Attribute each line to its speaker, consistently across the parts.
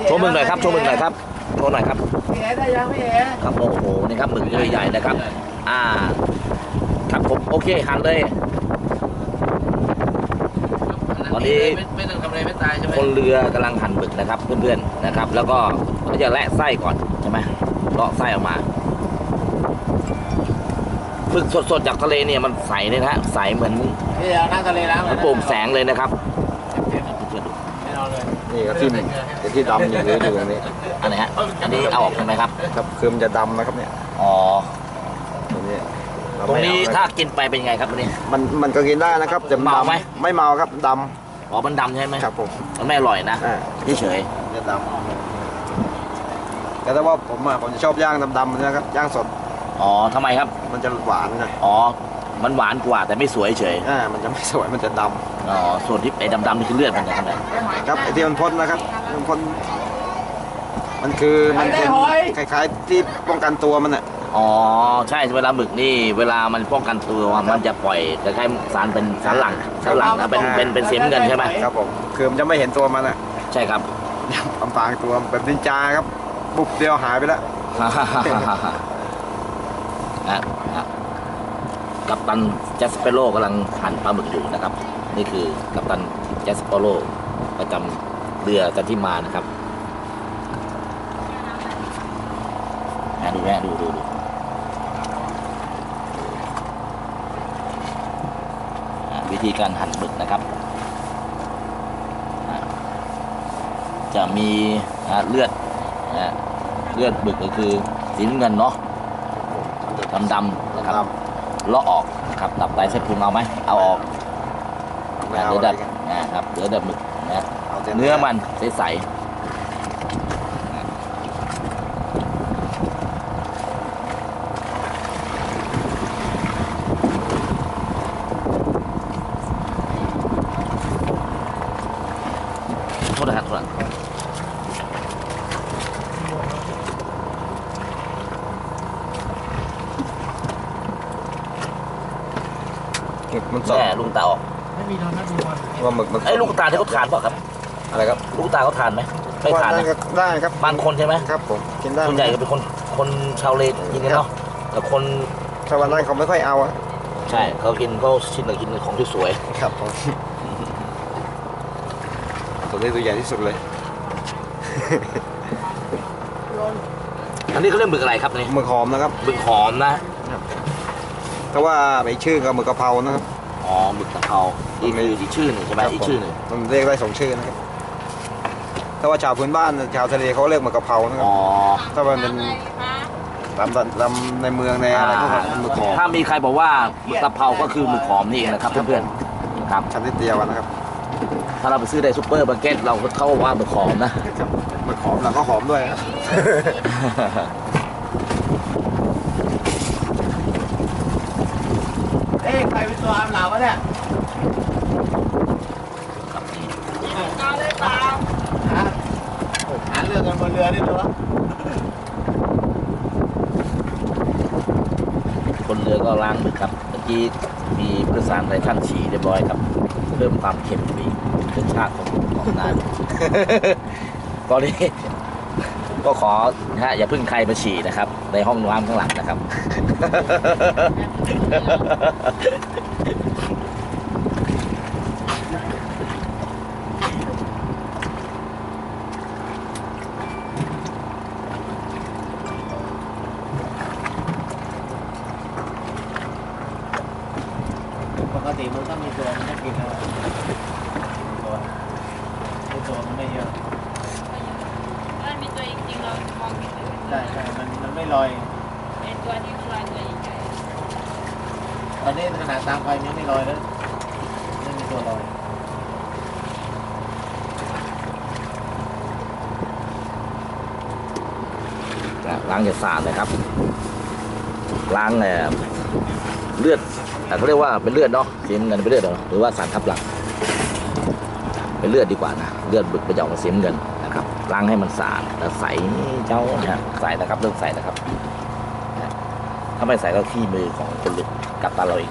Speaker 1: โชว์มึงหน่อยครับโชว์มึงหน่อยครับโชว์หน่อยครับ
Speaker 2: พี่เอ๋ได้ยังพี่เอ๋
Speaker 1: ครับโอ้โหนี่ครับหมึกใหญ่ๆนะครับครับผมโอเคหั่นเลยตอนนี้
Speaker 3: ไม่ต้องทำอะไรไม่ตายใช่ไหม
Speaker 1: คนเรือกำลังหั่นหมึกนะครับเพื่อนๆนะครับ แล้วก็เขาจะแล่ไส้ก่อนใช่ไหมเลาะไส้ออกมาฝึกสดๆจากทะเลเนี่ยมันใสเลยนะฮะใสเหมือน
Speaker 2: พี่เอ๋นั่งทะเลแล้ว
Speaker 1: โป่งแสงเลยนะครับ
Speaker 2: ไม่นอนเลย
Speaker 4: นี่ครับที่ดำอยู่เลยอยู่ตรงนี้
Speaker 1: อันไหนฮะอันนี้เอาออกใช่ไหมครับ
Speaker 4: ครับคือมันจะดำนะครับเนี่ย
Speaker 1: อ๋อ
Speaker 4: ตรงนี้เา
Speaker 1: ตรงนี้
Speaker 4: ไม่เอ
Speaker 1: ถ้ากินไปเป็นยังไงครับตรงนี้
Speaker 4: มันก็กินได้นะครับจะ
Speaker 1: เมาไหม
Speaker 4: ไม่เมาครับด
Speaker 1: อ๋อมันดำใช่ไหม
Speaker 4: ำครับผม
Speaker 1: มันไม่อร่อยนะ เฉย
Speaker 4: จะดำแต่ถ้าว่าผมจะชอบย่างดำๆนะครับย่างสด
Speaker 1: ๆอ๋อทำไมครับ
Speaker 4: มันจะหวานนะ
Speaker 1: อ๋อมันหวานกว่าแต่ไม่สวยเฉย
Speaker 4: มันจะไม่สวยมันจะด
Speaker 1: อ๋อส่วนที่ไอ้ดำๆนี่คือเลือดมันนะครับเนี่ย
Speaker 4: ำครับไอ้ที่มันพ่นนะครับมันพ่นมันเป็นคล้ายๆที่ป้องกันตัวมันอ่ะ
Speaker 1: อ๋อใช่เวลาหมึกนี่เวลามันป้องกันตัวมันจะปล่อยคล้ายๆสารเป็นสารหลั่งนะเป็นสีน้ำเงินใช่ไหม
Speaker 4: ครับผมคือมันจะไม่เห็นตัวมันอ่ะ
Speaker 1: ใช่ครับ
Speaker 4: อำพรางตัวแบบนินจาครับบุกเดียวหายไปแล้ว
Speaker 1: กัปตันแจสเปโร่กำลังหั่นปลาหมึกอยู่นะครับ นี่คือกัปตันแจสเปโร่ประจำเรือกันที่มานะครับดูแม่ดูวิธีการหั่นหมึกนะครับจะมีเลือดหมึกก็คือสีน้ำเงินเนาะดำๆนะครับเลาะออกนะครับตับไตเส้นพุงเอาไหมเอาออก
Speaker 4: ไม่เอา
Speaker 1: เดี๋ยว
Speaker 4: อะไร
Speaker 1: ดัด
Speaker 4: กัน
Speaker 1: นะครับเดี๋ยวดัดหมึกนะ
Speaker 4: เอาแต่
Speaker 1: เนื้อมันใสๆโทษนะครับ
Speaker 4: หมึกมันสด
Speaker 1: แม่ลูกตาออก
Speaker 2: ไม่มีนอนนะดูบอล
Speaker 4: ว่าหมึกมันสด
Speaker 1: ไอ้ลูกตาที่เขาทานเปล่ะครับ
Speaker 4: อะไรครับ
Speaker 1: ลูกตาเขาทานไหมไม่ทาน
Speaker 4: ได้
Speaker 1: นะครับ
Speaker 4: ได้ครับ
Speaker 1: บางคนใช่ไหม
Speaker 4: ครับผมกินได้
Speaker 1: ส่วนใหญ่ก็เป็นคนชาวเลกินกันเนาะแต่คน
Speaker 4: ถ้าวันนั้นเขาไม่ค่อยเอาอะ
Speaker 1: ใช่เขากินเขาชินกับกินของที่สวย
Speaker 4: ครับผมตัวนี้ตัวใหญ่ที่สุดเลย
Speaker 1: อันนี้เขาเรียกหมึกอะไรครับนี่
Speaker 4: หมึกหอมนะครับ
Speaker 1: หมึกหอมนะ
Speaker 4: แต่ว่าไปชื่อกับหมึกกะเพรานะครับ
Speaker 1: อ๋อหมึกกะเพราอีกคืออีกชื่อหนึ่งใช่ไหมอีกชื่อหนึ่ง
Speaker 4: มันเรียกได้2 ชื่อนะครับถ้าว่าชาวพื้นบ้านชาวทะเลเขาเรียกหมึกกะเพรานะครั
Speaker 1: อ๋
Speaker 4: บ
Speaker 1: อ
Speaker 4: ถ้ามันเป็นลำในเมืองในอะไรก็หมึกหอม
Speaker 1: ถ้ามีใครบอกว่าหมึกกะเพราก็คือหมึกหอมนี่เองนะครับเพื่อนๆครับ
Speaker 4: ชั้นนิดเดียวนะครับ
Speaker 1: ถ้าเราไปซื้อในซุปเปอร์มาร์เก็ตเราก็เข้าว่าหมึกหอมนะ
Speaker 4: หมึกหอมแล้วก็หอมด้วยครับ
Speaker 2: เอ้ใครเป็นตัวอาบหลาวะเนี่ยฮะหาเรื่องกันบนเรือนี่ตัว
Speaker 1: คนเรือก็ล้างหมึกครับเมื่อกี้มีผู้โดยสารหลายท่านฉี่เรียบร้อยครับเพิ่มความเค็มไปอีกเป็นชาติของนาน ตอนนี้ก็ขอนะฮะอย่าเพึ่งใครมาฉี่นะครับ ในห้องน้ำข้างหลังนะครับ
Speaker 2: ปกติมันต้องมีตัวมันจะกินแล้วตัวมันไม่เยอะ
Speaker 5: มันมีตัวจริงๆเรามองเห็นเลย
Speaker 2: ใช่มันไม่ลอย
Speaker 5: ไอ้ตัวที่ลอยตัวใหญ่
Speaker 2: ตอนนี้ขนาดตามไฟมันยังไม่ลอยแล้วไม่มีตัวลอย
Speaker 1: ล้างอย่าสะอาดเลยครับ ล้างเลือดเขาเรียกว่าเป็นเลือดเนาะสีน้ำเงินเป็นเลือดเหรอหรือว่าสารทับหลังเป็นเลือดดีกว่านะเลือดบึกไปจะออกมาสีน้ำเงินนะครับล้างให้มันสะอาดแล้วใสเจ้านะใสนะครับเริ่มใสนะครับถ้าไม่ใสก็ขี้มือของคนลึกกัดตาเราเอง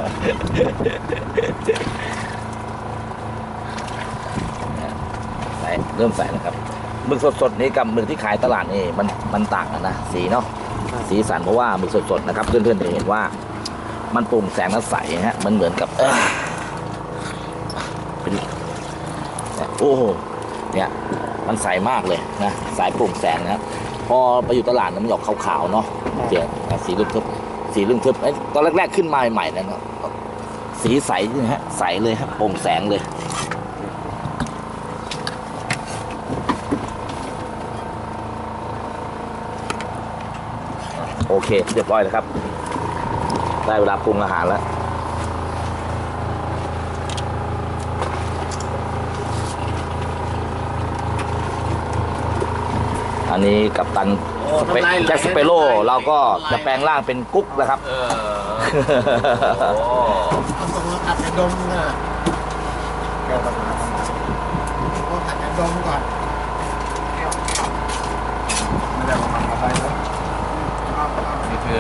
Speaker 1: ใสเริ่มใส่แล้วครับหมึกสดๆนี่กับหมึกที่ขายตลาดนี่มันต่างกันนะสีเนาะสีสันเพราะว่าหมึกสดๆนะครับเพื่อนๆจะเห็นว่ามันโปร่งแสงและใสฮะมันเหมือนกับเป็นโอ้โหเนี่ยมันใสมากเลยนะสายโปร่งแสงนะครับพอไปอยู่ตลาดมันหยอกขาวๆเนาะเสียสีลึกทึบสีลึกทึบตอนแรกๆขึ้นมาใหม่ๆนะสีใสนะฮะใสเลยครับโปร่งแสงเลยโอเคเรียบร้อยแล้วครับได้เวลาปรุงอาหารแล้วอันนี้กัปตันแจ็คสเปโร่เราก็จะแปลงร่างเป็นกุ๊กนะครับ
Speaker 2: เอาตรงนั้นตัดกระดมนะ
Speaker 4: แก้ปัญหา
Speaker 2: ต้องตัดกระดมก่อน
Speaker 4: ไม่ได้มาทำอะไรนะ
Speaker 2: นี่คือ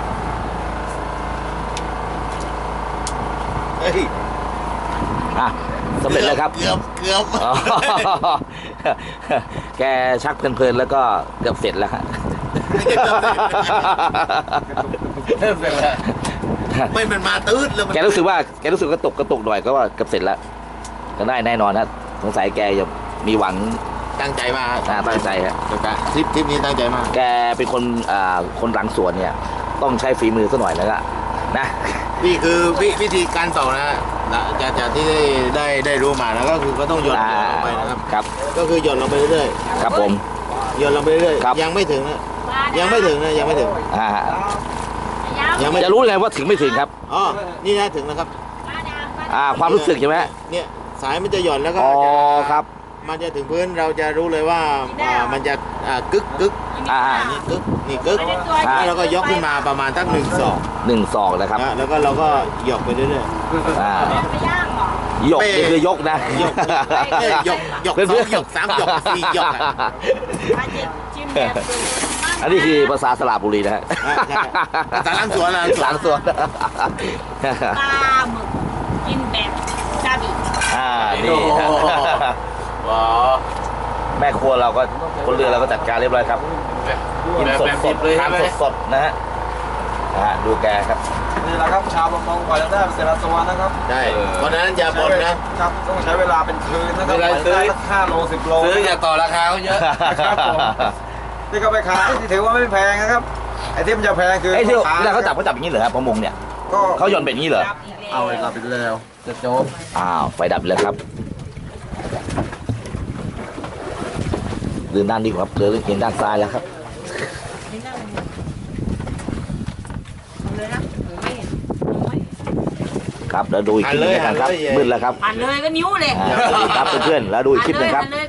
Speaker 4: เฮ้ย
Speaker 1: อ่ะสำเร็จแล้วครับ
Speaker 2: เกือบ
Speaker 1: อ๋อแกชักเพลินๆแล้วก็เกือบเสร็จแล้วฮะ
Speaker 2: เริ่มเสร็จแล้วไม่มันมาตื้ดเลย
Speaker 1: แกรู้สึกกระตุกหน่อยก็ว่าเกือบเสร็จแล้วก็ได้แน่นอนนะสงสัยแกจะมีหวัง
Speaker 2: ตั้งใจมา
Speaker 1: ตั้งใจฮะ
Speaker 2: ทริปนี้ตั้งใจมาก
Speaker 1: แกเป็นคนหลังสวนเนี่ยต้องใช้ฝีมือซะหน่อยแล้วก็นะ
Speaker 2: นี่คือวิธีการเป่านะจากที่ได้รู้มาแล้วก็คือก็ต้องหย่อนลงไปนะครับ
Speaker 1: ครับ
Speaker 2: ก็คือหย่อนลงไปเรื่อย
Speaker 1: ครับผม
Speaker 2: ๆหย่อนลงไปเรื่อย
Speaker 1: ครับ
Speaker 2: ยังไม่ถึงนะยังไม่ถึงนะยังไม่ถึง
Speaker 1: อ่า
Speaker 2: ยังไม่
Speaker 1: จะรู้ไงว่าถึงไม่ถึงครับ
Speaker 2: อ๋อนี่นะถึงแล้วครับ
Speaker 1: ความรู้สึกใช่ไหม
Speaker 2: เนี่ยสายมันจะหย่อนแล้วก็
Speaker 1: อ๋อ
Speaker 2: จะ
Speaker 1: ครับ
Speaker 2: มันจะถึงพื้นเราจะรู้เลยว่ามันจะกึก
Speaker 1: อ่า
Speaker 2: นี่กึกนี่กึก
Speaker 1: อ่า
Speaker 2: แล้วเราก็ยกขึ้นมาประมาณตั้ง1-2
Speaker 1: 1 2นะครับ
Speaker 2: แล้วก็เราก็หยอกไปเรื่อย
Speaker 1: อ่า
Speaker 5: ไปย่างเหรอ
Speaker 1: หยกนี่คือยกนะ
Speaker 2: ๆหยอกหยอก2หยอก3หยอก4หยอกอะ
Speaker 5: มาจิ้มแบบสูตร
Speaker 1: อันนี้คือภาษาสระบุรีนะฮะ
Speaker 2: ใช่ภาษาล้างสวน
Speaker 1: หลังสวน
Speaker 5: ปลาหมึกกินแบบซาบิ
Speaker 1: นี่
Speaker 2: ว้า
Speaker 1: แม่ครัวเราก็คนเรือเราก็จัดการเรียบร้อยครับกินสดสดทานสดสดนะฮะดูแกครับ
Speaker 4: นี่แหละครับชาวประมงกว่าจะได้แต่ละตัวนะครับ
Speaker 2: ใช่เพราะฉะนั้นอย่าบ่นนะครับ
Speaker 4: ต้องใช้เวลาเป็นคืนนะครับ
Speaker 2: เวลา
Speaker 4: ไป
Speaker 2: ซื้อ
Speaker 4: ได้สัก5 โล 10 โล
Speaker 2: ซื้ออย่าต่อราคาเขาเยอะ
Speaker 4: ครับผมที่เขาไปขายที่ถือว่าไม่แพงนะครับไอ้ที่มันจะแพงคือ
Speaker 1: ไอ้ที่
Speaker 4: พ่อ
Speaker 1: เวลาเขาจับอย่างนี้เหรอครับประมงเนี่ย
Speaker 4: ก็
Speaker 1: เขาหย่อนเป็นอย่างนี้เหรอ
Speaker 4: เอาเวลาไปแล้วจะจบ
Speaker 1: ไฟดับไปแล้วครับเดินด้านนี้ครับเดินเห็นด้านซ้ายแล้วครับ
Speaker 5: เลยนะผมไม่เห็นผมไม่เห็น
Speaker 1: ครับแล้วดูอีกคลิปหนึงกันครับ
Speaker 2: หันเลย
Speaker 1: มืดแล้วครับ
Speaker 5: ผ่านเลยก็นิ้วเลย
Speaker 1: สวัสดีครับเพื่อนๆแล้วดูอีกคลิปหนึงครับ
Speaker 5: ผ่านเลย